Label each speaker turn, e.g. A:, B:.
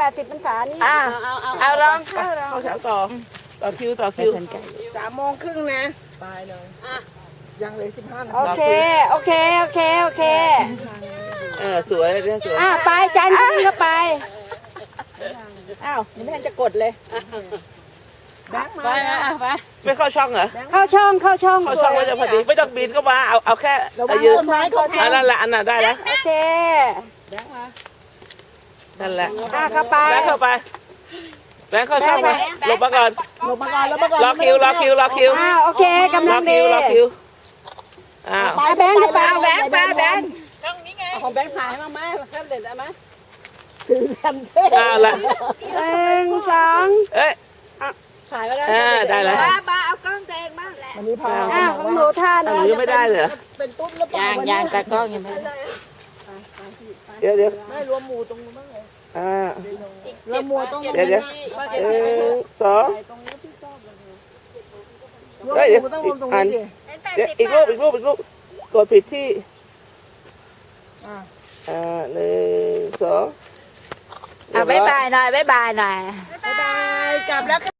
A: 80 พรรษานี่
B: เอาลองเข้าแถวต่อคิว
C: 3:30นะไปเลยยังเลย15 นาที
A: โอเค
B: สวยเรื่องสวย
A: ไปจันทร์นี่ก็ไป
D: อ้าวยังไม่ทันจะกดเลย
C: แบงค์มา
D: ไปไป
B: ไม่เข้าช่องเหรอ
A: เข้าช่อง
B: เข้าช่องก็จะพอดีไม่ต้องบินเข้ามาเอาแค่ยืนนั่นแหละอันน่ะได้แล้ว
A: โอเค
B: นั่นแหละ
A: เข้าไป
B: แบงค์เข้าไปแบงค์เข้าช่องมาหลบมาก่อน
C: ลงมาก่อนแล้วมาก่อน
B: รอคิว
A: โอเคกำลังดี
B: รอคิวอ้าว
A: แบงค์เข้าไป
C: แบงค์
D: ช่องนี้ไงของแบงค์ถ่ายมาไหมแคบเด็ดได้ไหม
C: ถือกันเท่
B: ละ
A: 1 2
B: เอ้ย
D: ถ่ายไว้แล้ว
B: ได้แล้ว
E: บ้าเอากล้องตัวเองบ้าง
C: วันนี้พา
A: ของหนูท่า
B: หนู
A: นี้
B: ยังไม่ได้เลย
C: เป็นตุ้มหรือเปล่า
D: ยังตากล้องยังไม่
B: เดี๋ยว
C: ไม่รวมหมูตรงนู้นบ้างเลย
B: แล้ว
C: หมูตรง
B: เดี๋ยว 2
C: รวมหมูต้องรวมตรงนี้ดิ
B: เดี๋ยวอีกรูปกดผิดที่1 2
D: บ๊ายบายหน่อย
C: บ๊ายบายกลับแล้ว